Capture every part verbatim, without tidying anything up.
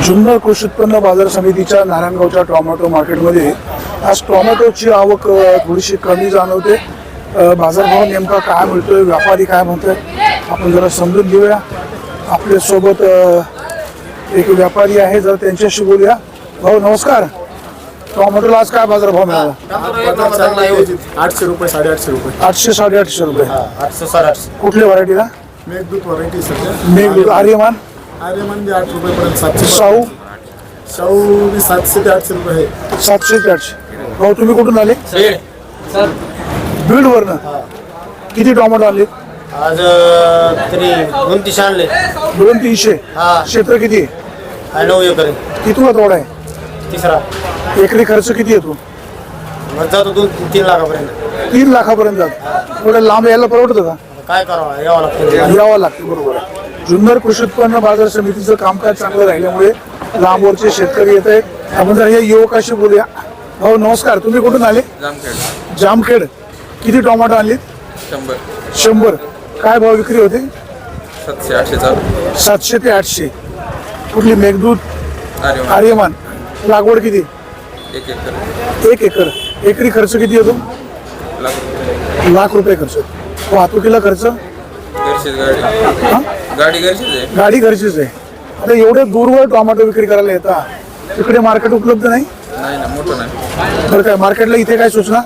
जुन्नर कृषी उत्पन्न बाजार समितीच्या नारायणगावच्या टोमॅटो मार्केटमध्ये आज टोमॅटोची आवक अ, थोडीशी कमी जाणवते। अ, बाजारभाव नेमका काय मिळतोय, व्यापारी काय म्हणतात आपण जरा समजून घेऊया। आपल्या सोबत अ, एक व्यापारी आहे, जर त्यांच्याशी बोलूया। भाऊ नमस्कार, टोमॅटोला आज काय बाजारभाव मिळाला? आठशे रुपये साडेआठशे रुपये आठशे साडेआठशे रुपये। आठशे साडेआठशे कुठल्या व्हरायटीला? मेघदूत व्हरायटी सध्या मेघदूत, आर्यमान, आर्यमान बी आठ रुपयेपर्यंत सातशे शाहू शाहू बी सातशे ते आठशे रुपये आहे। सातशे ते आठशे। भाऊ तुम्ही कुठून आले? बीड वरनं। किती टोमॅटो आले? आज तरी दोन तीनशे आणले। दोन तीनशे। हा. क्षेत्र किती आहे? हा, नऊ एकर कितीला तोडा आहे? तिसरा एकरी खर्च किती येतो? मग जातो दोन तीन लाखापर्यंत। तीन लाखापर्यंत जातो। थोडं लांब यायला परवडतं का? काय करावं, यावं लागतं। यावं लागतं, बरोबर आहे। जुन्नर कृषी उत्पन्न बाजार समितीचं कामकाज चांगलं राहिल्यामुळे लांबवरचे शेतकरी येत आहेत। आपण जर या युवकाशी बोलूया। भाऊ नमस्कार, तुम्ही कुठून आले? जामखेड जामखेड। किती टोमॅटो आणले? शंभर शंभर। काय भाव विक्री होते? सातशे आठशे चालू सातशे ते आठशे। कुठली? मेघदूत, अरे वा. आर्यमान। लागवड किती? एक एकर एक एकर। एकरी खर्च किती येतो? लाख रुपये. लाख रुपये खर्च। वाहतुकीला खर्च? घरचीच गाडी हा? गाडी घरचीच आहे. गाडी घरचीच आहे। आता एवढे दूरवर टोमॅटो विक्री करायला येतात, तिकडे मार्केट उपलब्ध नाही? नाही ना, मोठं नाही. तर काय मार्केटला इथे काय सूचना?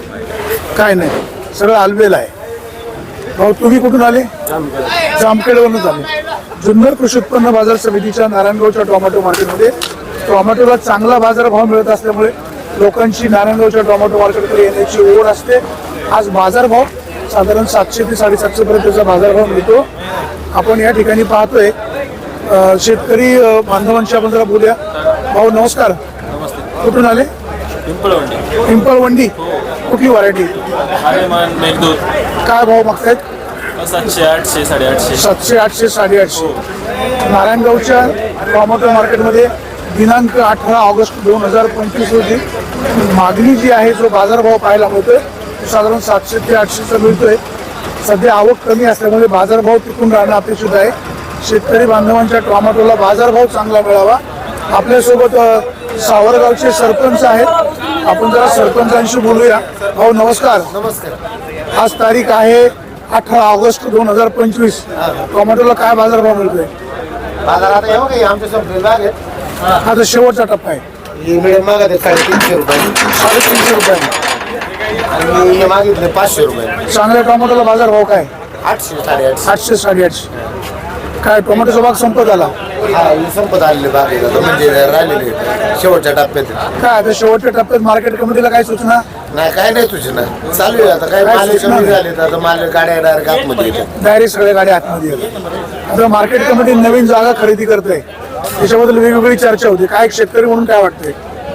काय नाही, सगळं आलबेल आहे। भाऊ तुम्ही कुठून आले? जामखेडवरून आले। जुन्नर कृषी उत्पन्न बाजार समितीच्या नारायणगावच्या टोमॅटो मार्केटमध्ये टोमॅटोला चांगला बाजारभाव मिळत असल्यामुळे लोकांची नारायणगावच्या टोमॅटो मार्केटकडे येण्याची ओढ असते। आज बाजारभाव साधारण सातशे ते साडेसातशे पर्यंतचा बाजारभाव मिळतो। आपण या ठिकाणी पाहतोय अ, शेतकरी अ, बांधवांशी आपण जरा बोलूया। भाऊ नमस्कार, कुठून आले? पिंपळवंडी पिंपळवंडी। कुठली व्हरायटी? आर्यमान मेघदूत काय भाव मागतायत? सातशे आठशे साडेआठशे सातशे आठशे साडेआठशे। नारायणगावच्या टोमॅटो मार्केटमध्ये दिनांक अठरा ऑगस्ट दोन हजार पंचवीस रोजी मागणी जी आहे, जो बाजारभाव पाहायला मिळतोय तो साधारण सातशे ते आठशेचा मिळतोय। सध्या आवक कमी असल्यामुळे बाजारभाव टिकून राहणं अपेक्षित आहे। शेतकरी बांधवांच्या टोमॅटोला बाजारभाव चांगला मिळावा। आपल्यासोबत अ, सावरगावचे सरपंच आहेत, आपण जरा सरपंचांशी बोलूया। भाऊ नमस्कार। नमस्कार। आज तारीख आहे अठरा ऑगस्ट दोन हजार पंचवीस। टोमॅटोला काय बाजारभाव मिळतोय? बाजार आता येऊ काही आमच्या संपले बाग आहेत। हा तर शेवटचा टप्पा आहे। ही मिडियम मागत आहे साडेतीनशे रुपये साडेतीनशे रुपये। आणि हे मागितले पाचशे रुपये। चांगल्या टोमॅटोला बाजारभाव काय? आठशे साडेआठशे। आठशे साडेआठशे। काय टोमॅटोचा भाग संपत आला? हा, ही संपत आलेले बाग आहेत आता, म्हणजे राहिलेले आहेत। शेवटच्या टप्प्यात आहेत। काय आता शेवटच्या टप्प्यात मार्केट कमिटीला काय सूचना? नाही, काय नाही तुझे ना, चालू आहे आता। काय काय माल सूचना? कमी झाले तर आता माल गाड्या डायरेक्ट आतमध्ये येतात। डायरेक्ट सगळ्या गाड्या आतमध्ये येतात। आता मार्केट कमिटी नवीन जागा खरेदी करते, त्याच्याबद्दल वेगवेगळी चर्चा होती। काय शेतकरी म्हणून काय वाटतंय?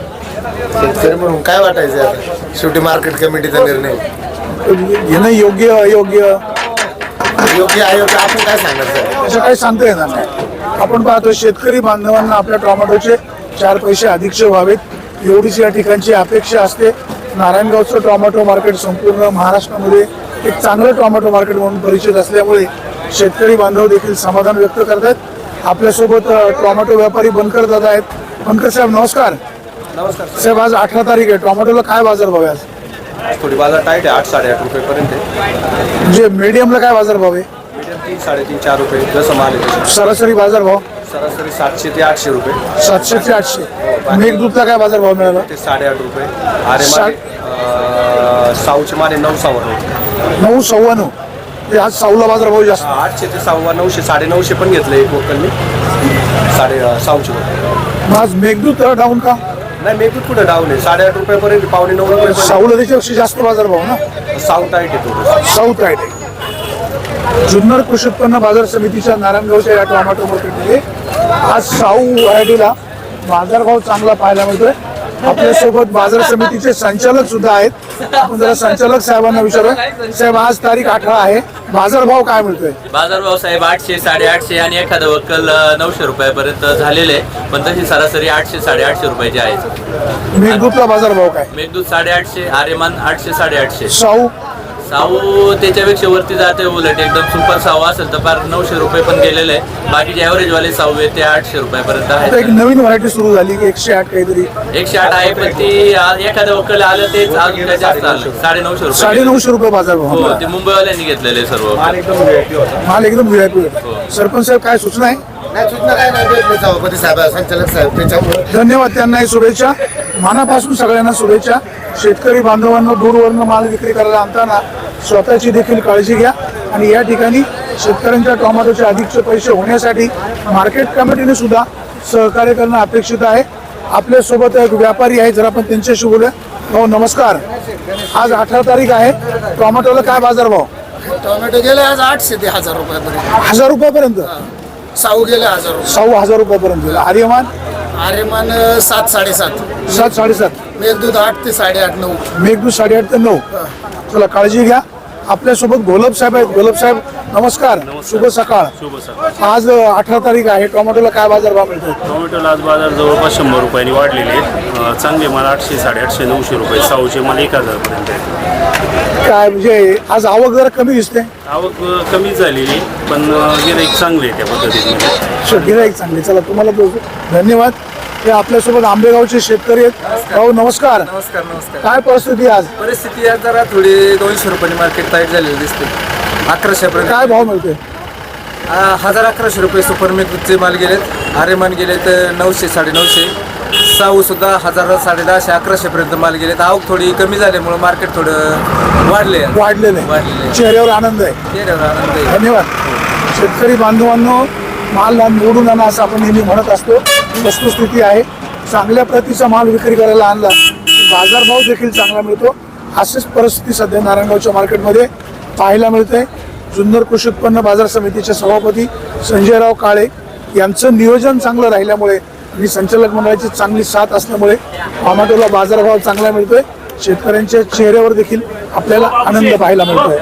शेतकरी म्हणून काय वाटायचं आता, शेवटी मार्केट कमिटीचा निर्णय घेणं योग्य अयोग्य योग्य अयोग्य आपण काय सांगायचं? असं काही सांगता येणार नाही। आपण पाहतो शेतकरी बांधवांना आपल्या टोमॅटोचे चार पैसे अधिकचे व्हावेत, एवढीच या ठिकाणची अपेक्षा असते। नारायणगावचं टोमॅटो मार्केट संपूर्ण महाराष्ट्रामध्ये एक चांगलं टोमॅटो मार्केट म्हणून परिचित असल्यामुळे शेतकरी बांधव देखील समाधान व्यक्त करतात। आपल्यासोबत अ, टोमॅटो व्यापारी बनकर दादा आहेत। बनकर साहेब नमस्कार। नमस्कार। साहेब आज अठरा तारीख आहे, टोमॅटोला काय बाजार भाव आहे आज? थोडी बाजार टाईट आहे, आठ साडेआठ रुपयेपर्यंत आहे। म्हणजे मीडियमला काय बाजार भाव आहे? मीडियम तीन साडेतीन चार रुपये जसं माल आहे तसं। सरासरी बाजार भाव सरासरी सातशे ते आठशे रुपये। सातशे ते आठशे। मेघदूतला काय बाजार भाव मिळाला? ते साडेआठ रुपये। अरे माले साऊचे माले नऊ सव्वा नऊ नऊ सव्वा नऊ। ते आज साऊला बाजार भाव जास्त। आठशे ते सव्वा नऊशे साडे नऊशे पण घेतलं एक वोकलनी साडे साऊचे वोकल। मग आज मेघदूत डाऊन का? नाही, मेघदूत कुठं डाऊन आहे, साडेआठ रुपयापर्यंत पावणे नऊ रुपये। साऊला त्याच्यापेक्षा जास्त बाजार भाव ना? साऊ टाईट आहे थोडं। साऊथ राईट आहे। जुन्नर कृषी उत्पन्न बाजार समितीच्या नारायणगावच्या या टोमॅटो मार्केटमध्ये आज साऊ व्हरायटीला बाजारभाव चांगला पाहायला मिळतोय। आपल्यासोबत बाजार समितीचे संचालक सुद्धा आहेत, आपण जरा संचालक साहेबांना विचारूया। साहेब आज तारीख अठरा आहे, बाजारभाव काय मिळतोय? बाजारभाव साहेब आठशे साडेआठशे आणि एखादं वक्कल नऊशे रुपयापर्यंत झालेले आहे, पण तशी सरासरी आठशे साडेआठशे रुपयाची आहे। मेघदूतला बाजारभाव काय? मेघदूत साडेआठशे, आर्यमान आठशे साडेआठशे, साऊ साऊ त्याच्यापेक्षा वरती जाते, उलट एकदम सुपर साऊ असेल तर फार नऊशे रुपये पण गेलेले आहे. बाकीचे ॲव्हरेज वाले साऊ आहे ते आठशे रुपयापर्यंत आता एक आहे. नवीन व्हरायटी सुरू झाली की एकशे आठ काहीतरी एकशे आठ आहे पण ती आ- एखाद्या वकल आलं तेच अजून काय जास्त आलं, साडे नऊशे रुपये साडे नऊशे रुपये बाजार भाव हो, ते मुंबईवाल्यांनी घेतलेले सर्व. माल एकदम व्हीआयपी होता. माल एकदम व्हीआयपी. सरपंच साहेब काय सूचना आहे? नाही सूचना काय नाही भेटले सभापती साहेब संचालक साहेब त्याच्यामुळे धन्यवाद त्यांनाही शुभेच्छा. मनापासून सगळ्यांना शुभेच्छा. शेतकरी बांधवांना दूरवरनं माल विक्री करायला आणताना स्वतःची देखील काळजी घ्या आणि या ठिकाणी शेतकऱ्यांच्या टोमॅटोचे अधिकचे पैसे होण्यासाठी मार्केट कमिटीने सुद्धा सहकार्य करणं अपेक्षित आहे. आपल्यासोबत एक व्यापारी आहे, जर आपण त्यांच्याशी बोलूया. हो नमस्कार. आज अठरा तारीख आहे. टोमॅटोला काय बाजारभाव? टोमॅटो गेले आज आठशे ते हजार रुपयापर्यंत. हजार रुपयापर्यंत. साऊ गेले हजार रुपये. सव्वा हजार रुपयापर्यंत गेला. आर्यमान आर्यमान सात साडेसात. सात साडेसात. मेघदूत आठ ते साडेआठ नऊ. मेघदूत साडेआठ ते नऊ. चला काळजी घ्या. आपल्यासोबत गोलब साहेब आहेत. गोलब साहेब नमस्कार. शुभ सकाळ. शुभ सकाळ. आज अठरा तारीख आहे. टोमॅटोला काय बाजारभाव मिळतो? टोमॅटोला आज बाजार जवळपास शंभर रुपयांनी वाढलेले आहेत. अं, चांगले माल आठशे साडेआठशे नऊशे रुपये, साऊचे माल एक हजारपर्यंत आहेत. काय म्हणजे आज आवक जरा कमी दिसते. आवक अं, कमी झालेली पण अं, गिऱ्हाईक चांगले आहे त्या पद्धतीने. गिराईक चांगले. चला तुम्हाला बोलतो धन्यवाद. हे आपल्यासोबत आंबेगावचे शेतकरी आहेत. भाऊ नमस्कार. नमस्कार नमस्कार. काय परिस्थिती आज? परिस्थिती आज जरा थोडी दोनशे रुपयांनी मार्केट टाईट झालेली दिसते. अकराशेपर्यंत काय भाव मिळतोय? आ, हजार अकराशे रुपये सुपर मेघदूतचे माल गेलेत. आरेमान गेलेत नऊशे साडेनऊशे. साऊ सुद्धा हजार साडे दहाशे अकराशेपर्यंत माल गेलेत. आवक थोडी कमी झाल्यामुळे मार्केट थोडं वाढले वाढलेले वाढलेले. चेहऱ्यावर आनंद आहे. चेहऱ्यावर आनंद आहे. धन्यवाद. शेतकरी बांधवांनो, माल निवडून आणा असं आपण नेहमी म्हणत असतो. वस्तुस्थिती आहे, चांगल्या प्रतीचा माल विक्री करायला आणला बाजारभाव देखील चांगला मिळतो. अशीच परिस्थिती सध्या नारायणगावच्या मार्केटमध्ये पाहायला मिळते. जुन्नर कृषी उत्पन्न बाजार समितीचे सभापती संजयराव काळे यांचं नियोजन चांगलं राहिल्यामुळे आणि संचालक मंडळाची चांगली साथ असल्यामुळे टोमॅटोला बाजारभाव चांगला मिळतोय. शेतकऱ्यांच्या चेहऱ्यावर देखील आपल्याला आनंद पाहायला मिळतोय.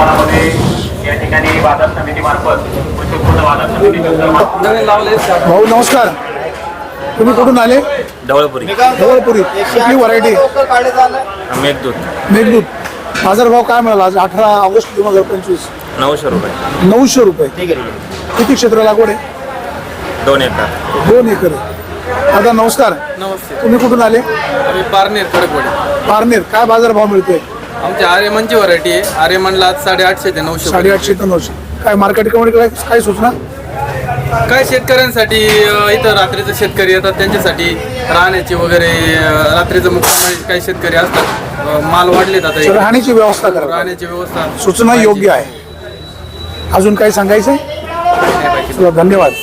या ठिकाणी बाजार समितीमार्फत कृषी उत्पन्न बाजार समिती भाऊ नमस्कार. तुम्ही कुठून आले? ढवळपुरी. ढवळपुरी. कुठली व्हरायटी? मेघदूत मेघदूत. बाजारभाव काय मिळाला आज अठरा ऑगस्ट दोन हजार पंचवीस? नऊशे रुपये. नऊशे रुपये. किती क्षेत्र लागवड आहे? दोन एकर. दोन एकर आहे. दादा नमस्कार. नमस्ते. तुम्ही कुठून आले? आम्ही पारनेर कडकवाडी. पारनेर. काय बाजारभाव मिळतोय? आमच्या आर्यमनची व्हरायटी आहे. आर्यमनला आज साडेआठशे ते नऊशे. साडेआठशे ते नऊशे. काय मार्केट कमिटीकडे काय सूचना? काय शेतकऱ्यांसाठी अ, इथं रात्रीचे शेतकरी येतात त्यांच्यासाठी राहण्याची वगैरे अ, रात्रीचं मुक्काम काही शेतकरी असतात. अ, माल वाढलेत आता इकडे. राहण्याची व्यवस्था करा. राहण्याची व्यवस्था सूचना योग्य आहे. अजून काही सांगायचं? चला, धन्यवाद.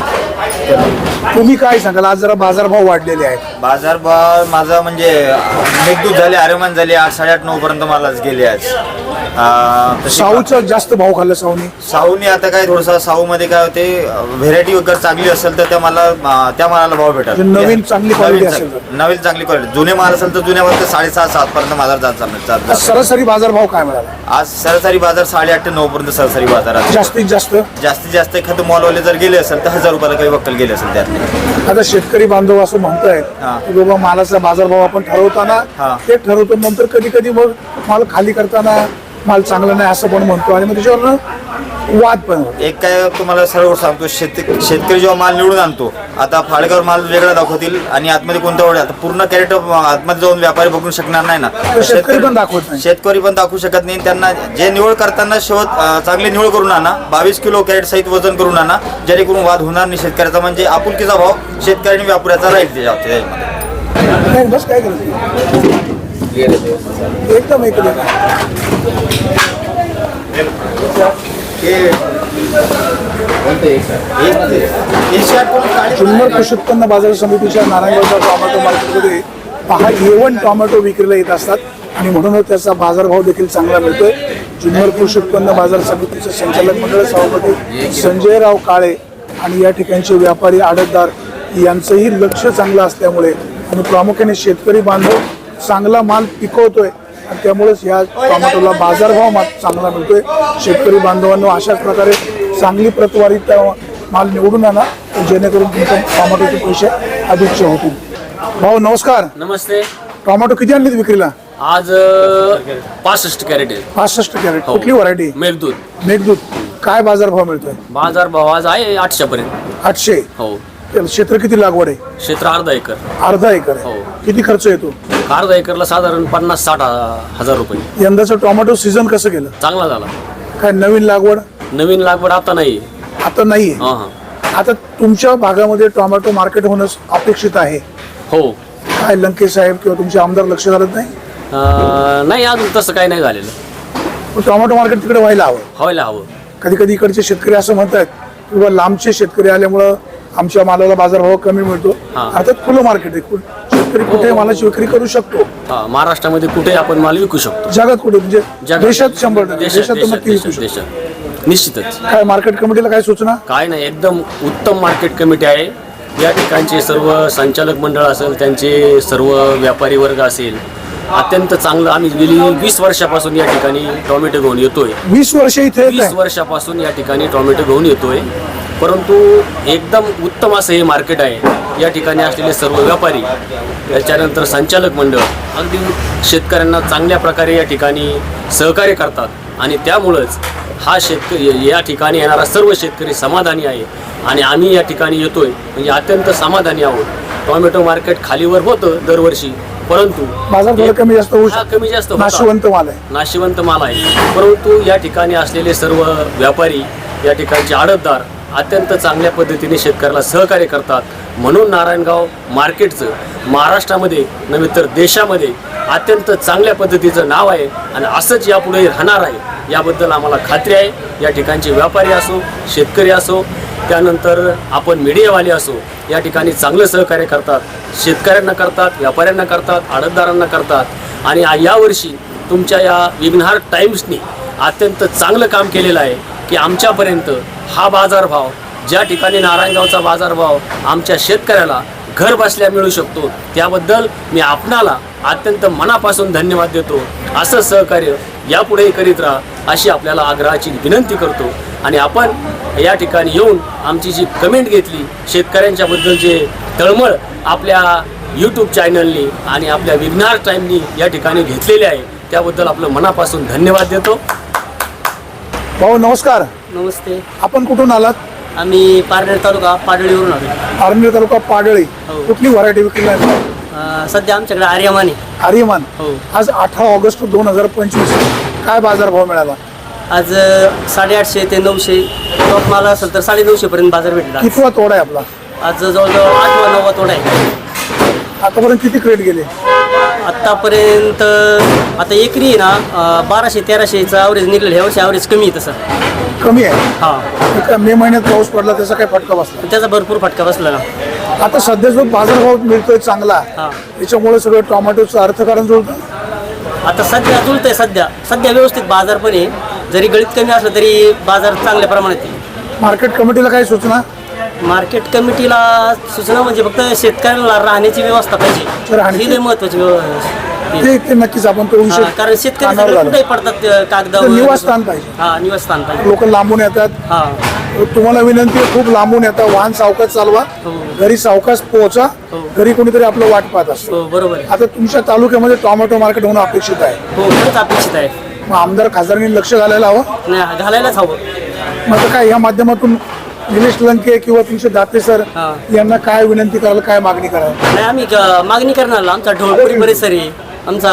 तुम्ही काय सांगाल? आज जरा बाजारभाव वाढलेले आहेत. बाजारभाव माझा म्हणजे मेघदूत झाले आरेमान झाले आठ साडेआठ नऊ पर्यंत मालाच गेले आज. अं, तशी साऊचा जास्त भाव खाल्ला साऊनी. साऊने आता काय थोडंसं साऊमध्ये काय होते व्हेरायटी वगैरे चांगली असेल तर त्या मला अं, त्या मालाला भाव भेटतात. म्हणजे नवीन चांगली quality नवीन असेल तर. चांग- नवीन चांगली क्वालिटी. जुने माल असेल तर जुन्या माल साडेसात सात पर्यंत बाजार जात जात- जात आज जात. सरासरी बाजारभाव काय मिळाला? आज सरासरी बाजार साडेआठ ते नऊ पर्यंत सरासरी बाजार आहे. जास्तीत जास्त. जास्तीत जास्त एखादं मॉलवाले जर गेले असेल तर हजार रुपयाला काही वक्कल गेले असेल त्यातले. आता शेतकरी बांधव असं म्हणतायत हा. की बाबा मालाचा बाजारभाव आपण ठरवताना हा. ते ठरवतो, नंतर कधी कधी मग माल खाली करताना माल चांगला नाही असं पण म्हणतो आणि मग त्याच्यावरनं वाद पण होतो. एक काय तुम्हाला सरळ सांगतो, शेत शेतकरी जेव्हा माल निवडून आणतो, आता फाळगावर माल वेगळा दाखवतील आणि आतमध्ये कोणता वडे आता पूर्ण कॅरेट आतमध्ये जाऊन व्यापारी बघू शकणार नाही ना. शेतकरी पण दाखवत नाही. शेतकरी पण दाखवू शकत नाही. त्यांना जे निवड करताना शेवट अं, चांगली निवड करून आणा, बावीस किलो कॅरेट सहित वजन करून आणा, जेणेकरून वाद होणार नाही शेतकऱ्याचा. म्हणजे आपुलकीचा भाव शेतकरी आणि व्यापाऱ्याचा राहील त्याच्यामध्ये. नाही, बस काय करायचं एकदम एकदम जुन्नर कृषी उत्पन्न बाजार समितीच्या नारायणगावच्या टोमॅटो मार्केटमध्ये पहा येवण टोमॅटो विक्रीला येत असतात आणि म्हणूनच त्याचा बाजारभाव देखील चांगला मिळतोय. जुन्नर कृषी उत्पन्न बाजार समितीचे संचालक मंडळ सभापती संजयराव काळे आणि या ठिकाणचे व्यापारी आडतदार यांचंही लक्ष चांगलं असल्यामुळे आणि प्रामुख्याने शेतकरी बांधव चांगला माल पिकवतोय आणि त्यामुळेच या टोमॅटोला बाजारभाव मा चांगला मिळतोय. शेतकरी बांधवांनो, अशाच प्रकारे चांगली प्रतवारीत माल निवडून आणा जेणेकरून तुमच्या टोमॅटोचे पैसे अधिकचे होतील. भाऊ नमस्कार. नमस्ते. टोमॅटो किती आणलेत विक्रीला? आज पासष्ट कॅरेट आहे. पासष्ट कॅरेट हो. कुठली व्हरायटी? मेघदूत. मेघदूत. काय बाजार भाव मिळतोय? बाजार भाव आज आहे आठशे पर्यंत. आठशे. हो. त्याला क्षेत्र किती लागवड आहे? क्षेत्र अर्धा एकर. अर्धा एकर आहे. हो. किती खर्च येतो? अर्धा एकरला साधारण पन्नास साठ हजार रुपये. यंदाचं टोमॅटो सीझन कसं गेलं? चांगला झाला. काय नवीन लागवड? नवीन लागवड आता नाही. आता नाहीये. हा हा. आता तुमच्या भागामध्ये टोमॅटो मार्केट होणं अपेक्षित आहे. हो. काय लंके साहेब किंवा तुमचे आमदार लक्ष घालत नाही? अं, नाही अजून तसं काही नाही झालेलं. पण टोमॅटो मार्केट तिकडे व्हायला हवं. व्हायला हवं. कधी कधी इकडचे शेतकरी असं म्हणतात किंवा लांबचे शेतकरी आल्यामुळं आमच्या मालाला बाजारभाव कमी मिळतो. हा. अर्थात खुलं मार्केट आहे. कु- शेतकरी कुठे मालाची विक्री करू शकतो. हा, महाराष्ट्रामध्ये कुठे आपण माल विकू शकतो. जगात कुठे म्हणजे जगात- देशात शंभर टक्के देशात देशात तर देशात नक्की विकू देशात शकतो. देशात. निश्चितच. काय मार्केट कमिटीला काय सूचना? काय नाही, एकदम उत्तम मार्केट कमिटी आहे. या ठिकाणचे सर्व संचालक मंडळ असेल, त्यांचे सर्व व्यापारी वर्ग असेल, अत्यंत चांगलं. आम्ही गेली वीस वर्षापासून या ठिकाणी टोमॅटो घेऊन येतोय. वीस वर्ष इथे येत वीस आहे. वर्षापासून या ठिकाणी टोमॅटो घेऊन येतोय. परंतु एकदम उत्तम असं हे मार्केट आहे. या ठिकाणी असलेले सर्व व्यापारी, त्याच्यानंतर संचालक मंडळ अगदी शेतकऱ्यांना चांगल्या प्रकारे या ठिकाणी सहकार्य करतात आणि त्यामुळंच हा शेतकरी या ठिकाणी येणारा सर्व शेतकरी समाधानी आहे आणि आम्ही या ठिकाणी येतोय म्हणजे अत्यंत समाधानी आहोत. टोमॅटो मार्केट खालीवर होतं दरवर्षी, परंतु बाजार थोडं कमी जास्त होऊ हा, शकतो. कमी जास्त होता. नाशवंत माल आहे. नाशिवंत माल आहे. परंतु या ठिकाणी असलेले सर्व व्यापारी, या ठिकाणचे आडतदार अत्यंत चांगल्या पद्धतीने शेतकऱ्याला सहकार्य करतात. म्हणून नारायणगाव मार्केटचं महाराष्ट्रामध्ये नव्हे तर देशामध्ये अत्यंत चांगल्या पद्धतीचं नाव आहे आणि असंच यापुढे राहणार आहे याबद्दल आम्हाला खात्री आहे. या ठिकाणचे व्यापारी असो, शेतकरी असो, त्यानंतर आपण मीडियावाले असो, या ठिकाणी चांगलं सहकार्य करतात. शेतकऱ्यांना करतात, व्यापाऱ्यांना करतात, आडतदारांना करतात आणि यावर्षी तुमच्या या विघ्नहार टाइम्सनी अत्यंत चांगलं काम केलेलं आहे की आमच्यापर्यंत हा बाजारभाव, ज्या ठिकाणी नारायणगावचा बाजारभाव आमच्या शेतकऱ्याला घर बसल्या मिळू शकतो, त्याबद्दल मी आपणाला अत्यंत मनापासून धन्यवाद देतो. असं सहकार्य यापुढेही करीत राहा अशी आपल्याला आग्रहाची विनंती करतो. आणि आपण या ठिकाणी येऊन आमची जी कमेंट घेतली, शेतकऱ्यांच्याबद्दल जे तळमळ आपल्या यूट्यूब चॅनलनी आणि आपल्या विघ्नहार टाईमनी या ठिकाणी घेतलेले आहे, त्याबद्दल आपलं मनापासून धन्यवाद देतो. भाऊ नमस्कार. नमस्ते. आपण कुठून आलात? आम्ही पारनेर तालुका पाडळीवरून आलो. पारनेर तालुका पाडळी. हो. कुठली व्हरायटी विकली? अं, सध्या आमच्याकडे आर्यमान आहे. आर्यमान. हो. आज अठरा ऑगस्ट दोन हजार पंचवीस काय बाजार भाव मिळाला? आज अं, साडेआठशे ते नऊशे टॉप माल असेल तर साडे नऊशे पर्यंत बाजार भेटला. कितवा तोडा आहे आपला? आज जवळजवळ आठवा नववा तोडा आहे. आतापर्यंत किती क्रेट गेले? आत्तापर्यंत आता एकरी आहे ना अं, बाराशे तेराशेचं ॲव्हरेज निघलेलं. ह्या वर्षी ॲव्हरेज कमी आहे तसं. कमी आहे. हां. एका मे महिन्यात पाऊस पडला त्याचा काय फटका बसला? त्याचा भरपूर फटका बसला ना. आता सध्या जो बाजारभाव मिळतोय चांगला, हां. त्याच्यामुळे सगळं टोमॅटोचं अर्थकारण जुळतं. आता सध्या जुळतंय. सध्या सध्या व्यवस्थित बाजार पण आहे. जरी गळीत कमी असलं तरी बाजार चांगल्या प्रमाणात आहे. मार्केट कमिटीला काय सूचना? मार्केट कमिटीला सूचना म्हणजे फक्त शेतकऱ्याला राहण्याची व्यवस्था पाहिजे. राहण्याची- ही लई महत्वाची व्यवस्था. ते ते नक्कीच आपण तो विषय हा, कारण शेतकरी कानावर सगळे घालू. कुठेही पडतात अ, कागदावर. तर निवासस्थान पाहिजे. हा, निवासस्थान पाहिजे. लोक लांबून येतात. हा. तुम्हाला विनंती आहे, खूप लांबून येतात. वाहन सावकाश चालवा, हो. घरी सावकाश पोहोचा. हो. घरी कोणीतरी आपलं वाट पाहत असतो. हो, बरोबर आहे. आता तुमच्या तालुक्यामध्ये टोमॅटो मार्केट होणं अपेक्षित आहे. हो, खरंच अपेक्षित आहे. मग आमदार खासदारांनी लक्ष घालायला हवं. नाही, घालायलाच हवं. मग आता काय या माध्यमातून निलेश लंके किंवा तुमचे दाते सर हा. यांना काय विनंती करायला, काय मागणी करायला? नाही, आम्ही अ, मागणी करणार. आमचा ढोळपुरी परिसर आहे. आमचा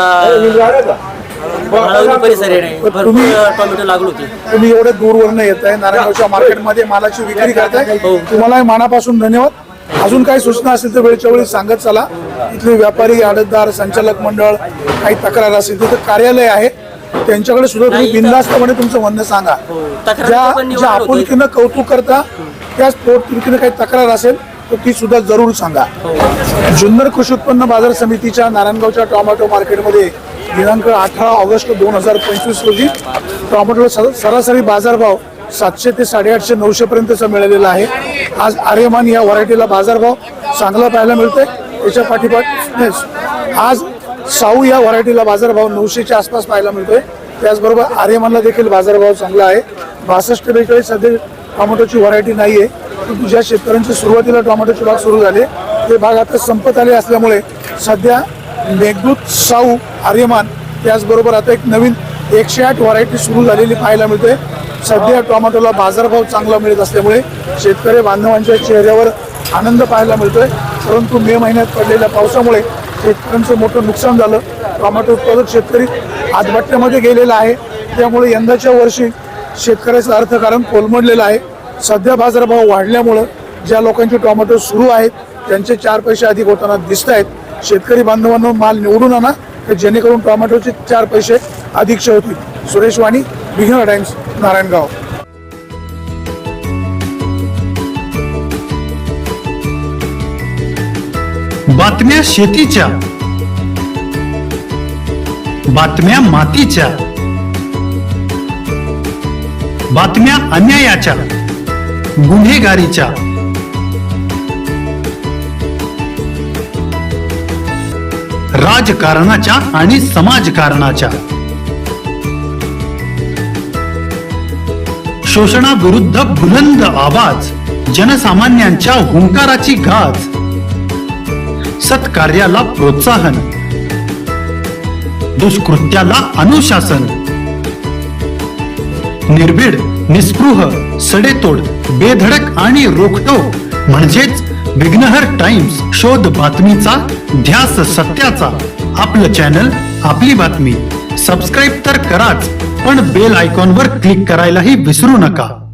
भाळवणी परिसर आहे. भरपूर तुम्ही- अ, टोमॅटो लागलो होती. तुम्ही एवढे दूरवरनं येत आहे, नारायणगावच्या मार्केटमध्ये मालाची विक्री करताय. तुम्हाला मनापासून धन्यवाद. अजून काही सूचना असेल तर वेळच्या वेळी सांगत चला. इथले व्यापारी, आडतदार, संचालक मंडळ, काही तक्रार असेल तर कार्यालय आहे, त्यांच्याकडे सुद्धा तुम्ही नाही, इथं- बिनधास्तपणे तुमचं म्हणणं सांगा. तक्रार ज्या पण ज्या निवारण होतोय. आपुलकीनं कौतुक करता त्याच पोटतिडकीनं काही तक्रार असेल तर ती सुद्धा जरूर सांगा. जुन्नर कृषी उत्पन्न बाजार समितीच्या नारायणगावच्या टोमॅटो मार्केटमध्ये दिनांक अठरा ऑगस्ट दोन हजार पंचवीस रोजी टोमॅटोला स- सरासरी बाजारभाव सातशे ते साडेआठशे नऊशे पर्यंतचा मिळालेला आहे. आज आर्यमान या व्हरायटीला बाजारभाव चांगला पाहायला मिळतोय. त्याच्या पाठीपाठ आज साऊ या व्हरायटीला बाजारभाव नऊशेच्या आसपास पाहायला मिळतोय. त्याचबरोबर आर्यमानला देखील बाजारभाव चांगला आहे. बासष्ट बेचाळीस सध्या टोमॅटोची व्हरायटी नाही आहे. परंतु ज्या शेतकऱ्यांचे सुरुवातीला टोमॅटोचे भाग सुरू झाले ते भाग आता संपत आले असल्यामुळे सध्या मेघदूत, साऊ, आर्यमान त्याचबरोबर आता एक नवीन एकशे आठ व्हरायटी सुरू झालेली पाहायला मिळते. सध्या टोमॅटोला बाजारभाव चांगला मिळत असल्यामुळे शेतकरी बांधवांच्या चेहऱ्यावर आनंद पाहायला मिळतोय. परंतु मे महिन्यात पडलेल्या पावसामुळे शेतकऱ्यांचं मोठं नुकसान झालं. टोमॅटो उत्पादक शेतकरी आत्महत्येमध्ये गेलेला आहे. त्यामुळे यंदाच्या वर्षी शेतकऱ्याचं अर्थकारण कोलमडलेलं आहे. सध्या बाजारभाव वाढल्यामुळं ज्या लोकांचे टोमॅटो सुरू आहेत त्यांचे चार पैसे अधिक होताना दिसत आहेत. शेतकरी बांधवांनो माल निवडून आणा जेणेकरून टोमॅटोचे चार पैसे अधिकचे होतील. सुरेश वाणी, बिगर टाइम्स, नारायणगाव. बातम्या शेतीच्या, बातम्या मातीच्या, बातम्या अन्यायाच्या, गुन्हेगारीच्या, राजकारणाच्या आणि समाजकारणाच्या, शोषणाविरुद्ध बुलंद आवाज, जनसामान्यांच्या हुंकाराची गाज, सत्कार्याला प्रोत्साहन, दुष्कृत्याला अनुशासन, निर्भीड, निस्पृह, सडेतोड, बेधडक आणि रोखटोक म्हणजेच विघ्नहर टाइम्स. शोध बातमीचा, ध्यास सत्याचा. आपलं चॅनल, आपली बातमी. सबस्क्राईब तर कराच, पण बेल आयकॉनवर क्लिक करायलाही विसरू नका.